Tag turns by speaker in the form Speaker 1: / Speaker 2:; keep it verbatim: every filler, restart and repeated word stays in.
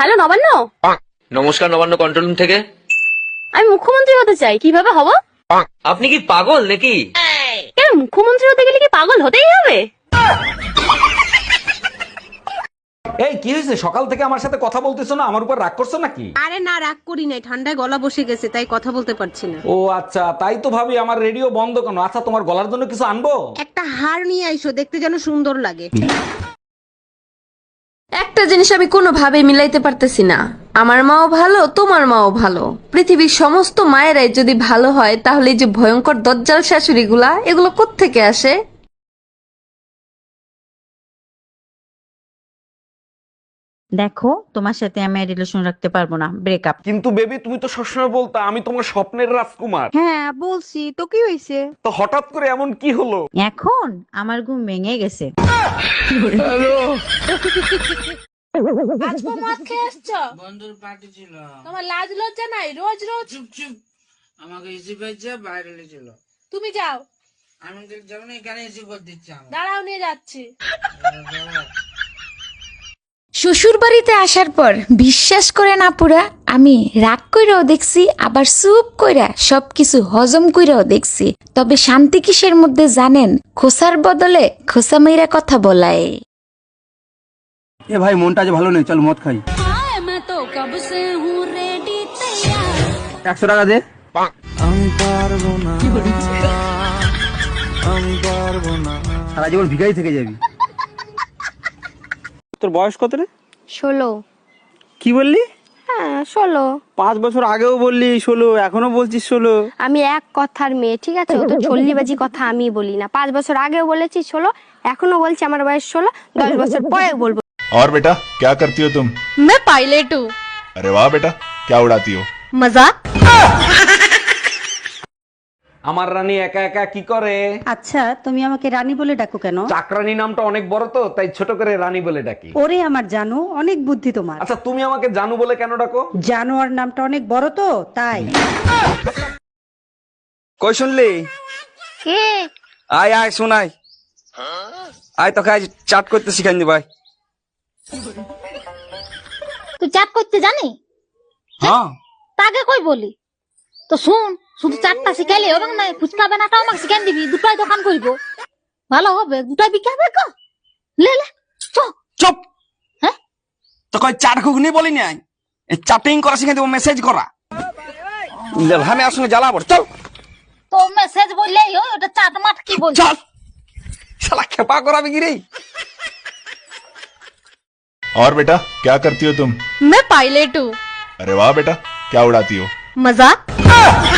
Speaker 1: Hello Nabanna.
Speaker 2: নমস্কার, Nabanna control room থেকে।
Speaker 1: আমি মুখ্যমন্ত্রী হতে চাই, কিভাবে হব?
Speaker 2: আপনি কি পাগল নাকি?
Speaker 1: কেন, মুখ্যমন্ত্রী হতে গেলে কি পাগল হতেই হবে?
Speaker 3: এই কি হয়েছে, সকাল থেকে আমার সাথে কথা বলতেছো না? আমার উপর রাগ করছো নাকি?
Speaker 4: আরে না, রাগ করি নাই, ঠান্ডায় গলা বসে গেছে তাই কথা বলতে পারছি না।
Speaker 3: ও আচ্ছা, তাই তো ভাবি আমার রেডিও বন্ধ কেন। আচ্ছা, তোমার গলার জন্য কিছু আনবো?
Speaker 4: একটা হার নিয়ে আইসো, দেখতে যেন সুন্দর লাগে।
Speaker 5: একটা জিনিস আমি কোনোভাবে মিলাইতে পারতেছি না, আমার মাও ভালো তোমার মাও ভালো। পৃথিবীর সমস্ত মায়েরাই যদি ভালো হয় তাহলে এই যে ভয়ঙ্কর দজ্জাল শাশুড়ি গুলা, এগুলো কোত্থেকে আসে?
Speaker 6: দেখো, তোমার সাথে আমি রিলেশন রাখতে পারবো না, ব্রেকআপ।
Speaker 3: কিন্তু বেবি, তুমি তো সবসময় বলতা আমি তোমার স্বপ্নের রাজকুমার।
Speaker 4: হ্যাঁ বলছি তো, কি হয়েছে?
Speaker 3: তো হঠাৎ করে এমন কি হলো?
Speaker 6: এখন আমার ঘুম ভেঙে গেছে।
Speaker 7: আজকে মদ খেয়ে আসছো? বন্ধুর পার্টি ছিল। তোমার লাজ লজ্জা নাই? রোজ রোজ চুপ চুপ। আমাকে ইসি পেয়েছে, বাইরে ছিল। তুমি যাও। আমি যাবো না, এখানে ইসি করে দিচ্ছি। দাঁড়াও, নিয়ে যাচ্ছি।
Speaker 8: শ্বশুর বাড়িতে আসার পর বিশ্বাস করে না পুরা আমি রাগ কইরাও দেখছি, আবার চুপ কইরা সবকিছু হজম কইরাও দেখছি। তবে শান্তি কিসের মধ্যে জানেন? খোসার বদলে খোসা মেয়েরা কথা বলায়।
Speaker 9: এ ভাই, মনটা যে ভালো নেই, চল মদ খাই। একশো টাকা দে। আমি পারবো না, আমি পারবো না, সারা জীবন ভিখারি থেকে যাবি। তোর বয়স কত রে?
Speaker 1: ষোলো।
Speaker 9: কি বললি?
Speaker 1: হ্যাঁ ষোলো।
Speaker 9: পাঁচ বছর আগেও বললি ষোলো, এখনো বলছিস ষোলো।
Speaker 1: আমি এক কথার মেয়ে, ঠিক আছে? ও তো চল্লিবাজি কথা আমি বলি না। পাঁচ বছর আগেও বলেছি ষোলো, এখনো বলছি আমার বয়স ষোলো, দশ বছর পরে বলবো।
Speaker 10: और बेटा क्या करती हो तुम?
Speaker 1: मैं पायलट हूँ।
Speaker 10: अरे वाह बेटा, क्या उड़ाती हो?
Speaker 1: मजाक।
Speaker 3: আমার রানী একা একা কি করে?
Speaker 6: আচ্ছা, তুমি আমাকে রানী বলে ডাকো কেন?
Speaker 3: চাকরানী নামটা অনেক বড় তো, তাই ছোট করে রানী বলে ডাকি।
Speaker 6: ওরে আমার জানো, অনেক বুদ্ধি তোমার।
Speaker 3: আচ্ছা, তুমি আমাকে জানু বলে কেন ডাকো?
Speaker 6: জানোয়ার নামটা অনেক বড় তো তাই।
Speaker 9: কই শুনলি?
Speaker 1: কে?
Speaker 9: আয় আয় শোনাই, আয় তোকে আজ চাট করতে শিখাই দি ভাই।
Speaker 7: তুই চাট করতে জানি?
Speaker 9: হ্যাঁ,
Speaker 7: তাকে কই বলি তো শুন, শুধু চাটটা শিখাইলে হবে না, ফুচকা বানাটাও আমাকে শিখাই দিবি। দুটাই দোকান করব, ভালো হবে, দুটাই বিকে হবে। লে লে
Speaker 9: চুপ।
Speaker 7: হ্যাঁ,
Speaker 9: তো কই চাট ঘুগনি বলি নাই, এই চাটিং করা শিখাই দেবো, মেসেজ করা। আমি আসলে জ্বালা পড়, চল।
Speaker 7: তো মেসেজ বললেই হয়, ওটা চাট মাট কি বল?
Speaker 9: চল, শালা খেপা করাবি কি রে?
Speaker 10: और बेटा क्या करती हो तुम?
Speaker 1: मैं पायलट हूँ।
Speaker 10: अरे वाह बेटा, क्या उड़ाती हो?
Speaker 1: मजाक।